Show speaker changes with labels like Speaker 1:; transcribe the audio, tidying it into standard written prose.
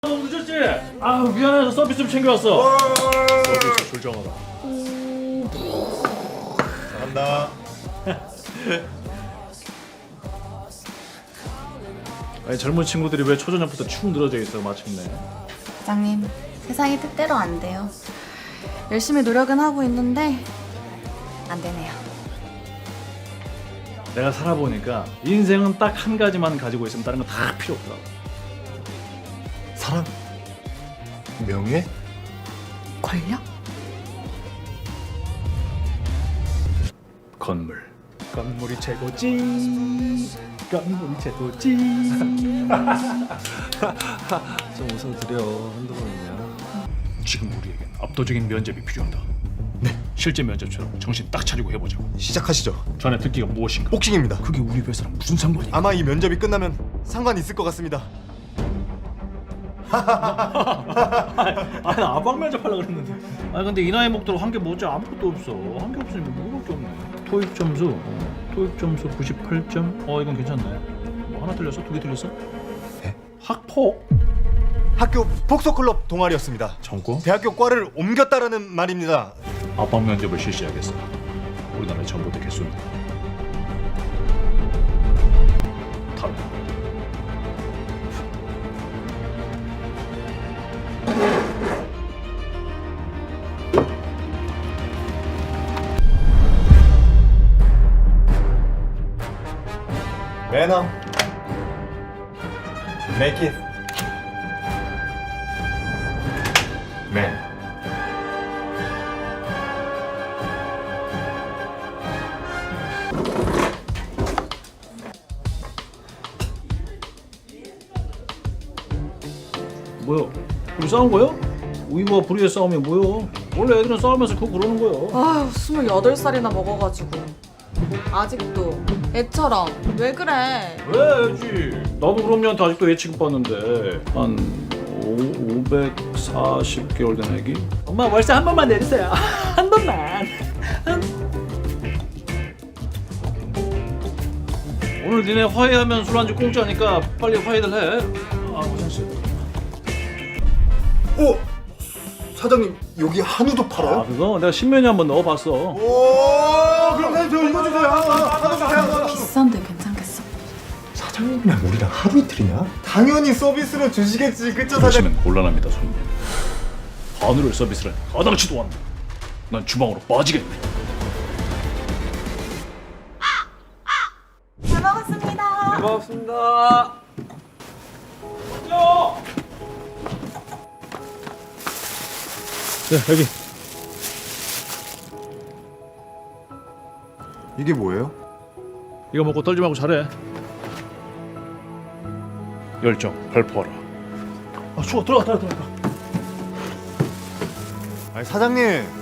Speaker 1: 너무 늦었지? 아 미안해서 서비스 좀 챙겨왔어.
Speaker 2: 서비스 조정하라. 잘한다.
Speaker 1: 아니 젊은 친구들이 왜 초저녁부터 축 늘어져 있어 마침내.
Speaker 3: 사장님, 세상이 뜻대로 안 돼요. 열심히 노력은 하고 있는데 안 되네요.
Speaker 1: 내가 살아보니까 인생은 딱 한 가지만 가지고 있으면 다른 건 다 필요 없더라고.
Speaker 2: 사랑, 명예,
Speaker 3: 권력?
Speaker 1: 건물. 건물이 최고지. 건물이 최고지.
Speaker 2: 좀 웃어드려. 한두 번이냐.
Speaker 1: 지금 우리에겐 압도적인 면접이 필요하다. 네, 실제 면접처럼 정신 딱 차리고 해보자고.
Speaker 2: 시작하시죠.
Speaker 1: 전에 듣기가 무엇인가?
Speaker 2: 복싱입니다.
Speaker 1: 그게 우리 회사랑 무슨 상관이야?
Speaker 2: 아마 이 면접이 끝나면 상관 있을 것 같습니다.
Speaker 1: 아니 아방 면접하려고 그랬는데. 아니 근데 이 나이 먹도록 한 게 뭐지? 아무것도 없어. 한 게 없으니 뭐밖에 없네. 토익 점수 98점. 이건 괜찮네. 뭐 하나 틀렸어? 두 개 틀렸어?
Speaker 2: 네?
Speaker 1: 학폭?
Speaker 2: 학교 복서 클럽 동아리였습니다.
Speaker 1: 전과?
Speaker 2: 대학교 과를 옮겼다라는 말입니다.
Speaker 1: 아방 면접을 실시하겠어. 우리나라의 전부대 개수는 다른.
Speaker 2: 매너, make it, man.
Speaker 1: 뭐야? 우리 싸운 거야? 우리와 불의의 싸움이 뭐야? 원래 애들은 싸우면서 그거 그러는 거야.
Speaker 3: 아휴, 28살이나 먹어가지고 아직도 애처럼 왜 그래?
Speaker 1: 왜 애지? 나도 그럼 얘한테 아직도 애 취급받는데 한 540개월 된 애기? 엄마 월세 한 번만 내주세요. 한 번만. 오늘 니네 화해하면 술 안주 공짜니까 빨리 화해들 해. 화장실.
Speaker 2: 사장님 여기 한우도 팔아요?
Speaker 1: 그거 내가 신메뉴 한번 넣어봤어.
Speaker 2: 오, 그럼 저 이거 주세요. 한우 주세요.
Speaker 3: 비싼데 괜찮겠어?
Speaker 2: 사장님이랑 우리랑 하루 이틀이냐? 당연히 서비스로 주시겠지, 그쵸 사장님?
Speaker 1: 그러시면 곤란합니다, 손님. 한우를 서비스를 마땅치도 않네. 난 주방으로 빠지겠네.
Speaker 3: 잘 먹었습니다.
Speaker 1: 고맙습니다. 네, 여기.
Speaker 2: 이게 뭐예요?
Speaker 1: 이거 먹고 떨지 말고 잘해. 열정 발포하라. 추워. 들어가.
Speaker 2: 아니 사장님